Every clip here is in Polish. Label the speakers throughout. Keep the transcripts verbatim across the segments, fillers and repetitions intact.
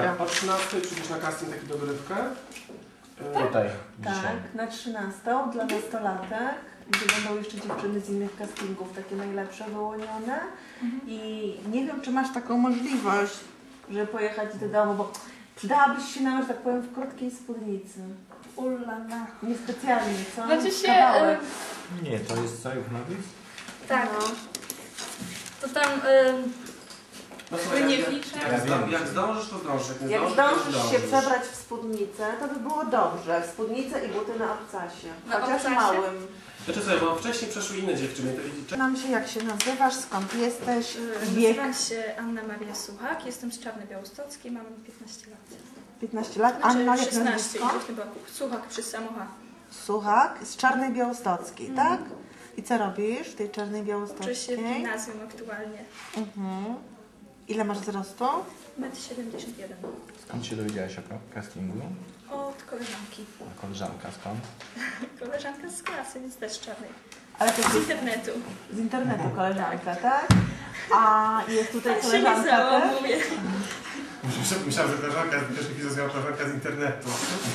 Speaker 1: Dobra. O trzynastej przyjdziesz na casting, taki dogrywkę.
Speaker 2: Tutaj.
Speaker 3: Tak, na trzynastą dla nastolatek, gdzie będą jeszcze dziewczyny z innych castingów, takie najlepsze wyłonione. Mhm. I nie wiem, czy masz taką możliwość, żeby pojechać do domu, bo przydałabyś się nam, że tak powiem, w krótkiej spódnicy. Ulala. Niespecjalnie, co?
Speaker 4: Znaczy się...
Speaker 3: Kawałek.
Speaker 2: Nie, to jest co, już mówisz?
Speaker 4: Tak.
Speaker 3: No.
Speaker 4: To tam... Ym...
Speaker 1: No słuchaj, jak,
Speaker 4: nie
Speaker 1: jak,
Speaker 4: fliczę.
Speaker 1: jak, jak, jak zdążysz, to zdążysz. Jak, nie
Speaker 3: Jak
Speaker 1: zdążysz,
Speaker 3: zdążysz
Speaker 1: to
Speaker 3: się
Speaker 1: zdążysz.
Speaker 3: przebrać w spódnicę, to by było dobrze. W spódnicę i buty na obcasie.
Speaker 4: Na
Speaker 3: Chociaż
Speaker 4: obcasie?
Speaker 3: małym.
Speaker 1: Znaczy sobie, bo wcześniej przeszły inne dziewczyny. To...
Speaker 3: Nam się, jak się nazywasz, skąd jesteś,
Speaker 4: Yy,
Speaker 3: wiek?
Speaker 4: Nazywam się Anna Maria Suchak, jestem z Czarnej Białostockiej, mam piętnaście lat.
Speaker 3: piętnaście lat.
Speaker 4: Znaczy
Speaker 3: Anna, jak
Speaker 4: szesnaście,
Speaker 3: nazwisko?
Speaker 4: i chyba Suchak przez samocha.
Speaker 3: Suchak, z Czarnej Białostockiej,
Speaker 4: Mhm.
Speaker 3: tak? I co robisz w tej Czarnej
Speaker 4: Uczę
Speaker 3: Białostockiej?
Speaker 4: się w gimnazjum aktualnie.
Speaker 3: Mhm. Ile masz wzrostu?
Speaker 4: metr siedemdziesiąt jeden.
Speaker 2: Skąd się dowiedziałaś o castingu?
Speaker 4: Od koleżanki.
Speaker 2: A koleżanka skąd?
Speaker 4: Koleżanka z klasy, więc też z Czarnej.
Speaker 3: Ale to
Speaker 4: Z
Speaker 3: jest
Speaker 4: internetu.
Speaker 3: z internetu koleżanka, tak? A jest tutaj
Speaker 4: Tak się nie
Speaker 3: koleżanka też?
Speaker 4: załamuję.
Speaker 1: Myślałem, że koleżanka, pierwszy chwilę zrozumiała koleżanka z internetu.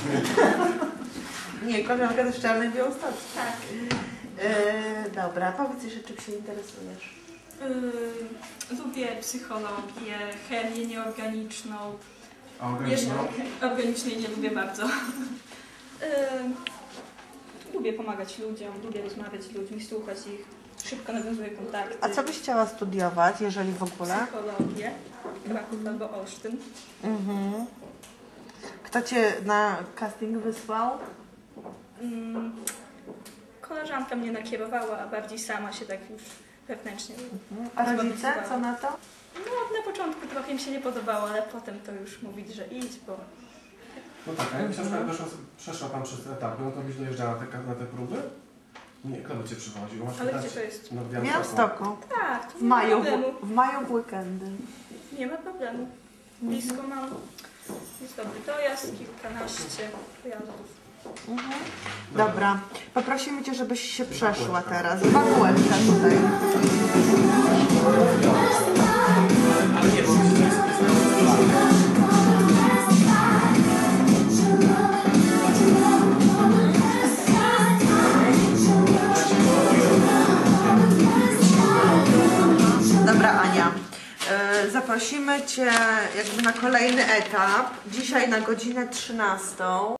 Speaker 3: Nie, koleżanka też z Czarnej Białostockiej.
Speaker 4: Tak.
Speaker 3: Yy, dobra, powiedz jeszcze, czym się interesujesz.
Speaker 5: Yy, lubię psychologię, chemię nieorganiczną.
Speaker 1: A
Speaker 5: Jeszcze
Speaker 1: organiczną?
Speaker 5: organicznej nie lubię bardzo.
Speaker 4: Yy, lubię pomagać ludziom, lubię rozmawiać z ludźmi, słuchać ich. Szybko nawiązuję kontakty.
Speaker 3: A co byś chciała studiować, jeżeli w ogóle?
Speaker 4: Psychologię. Kraków albo Olsztyn.
Speaker 3: Mhm. Kto cię na casting wysłał?
Speaker 4: Mm, koleżanka mnie nakierowała, a bardziej sama się tak już wewnętrznie.
Speaker 3: Mhm. A rodzice, co na to?
Speaker 4: No na początku trochę im się nie podobało, ale potem to już mówić, że idź, bo...
Speaker 1: No tak, a jakbyś na przykład doszła, przeszła tam przez etapy, no to byś dojeżdżała na te, na te próby? Nie, kto by cię przywoził? Masz
Speaker 4: Ale
Speaker 1: pytać-
Speaker 4: gdzie to jest?
Speaker 1: No, w
Speaker 3: W
Speaker 1: Białymstoku.
Speaker 3: Białymstoku.
Speaker 4: Tak, to
Speaker 3: W
Speaker 4: nie ma
Speaker 3: maju,
Speaker 4: problemu.
Speaker 3: w, w maju w weekendy.
Speaker 4: Nie ma problemu. Blisko mam. Jest dobry dojazd, kilkanaście pojazdów.
Speaker 3: Mhm. Dobra, poprosimy Cię, żebyś się przeszła teraz. Dwa kółeczka tutaj.
Speaker 1: Ale nie, bo myślę, że jest
Speaker 3: Dobra, Ania. Yy, zaprosimy Cię jakby na kolejny etap. Dzisiaj na godzinę trzynastą.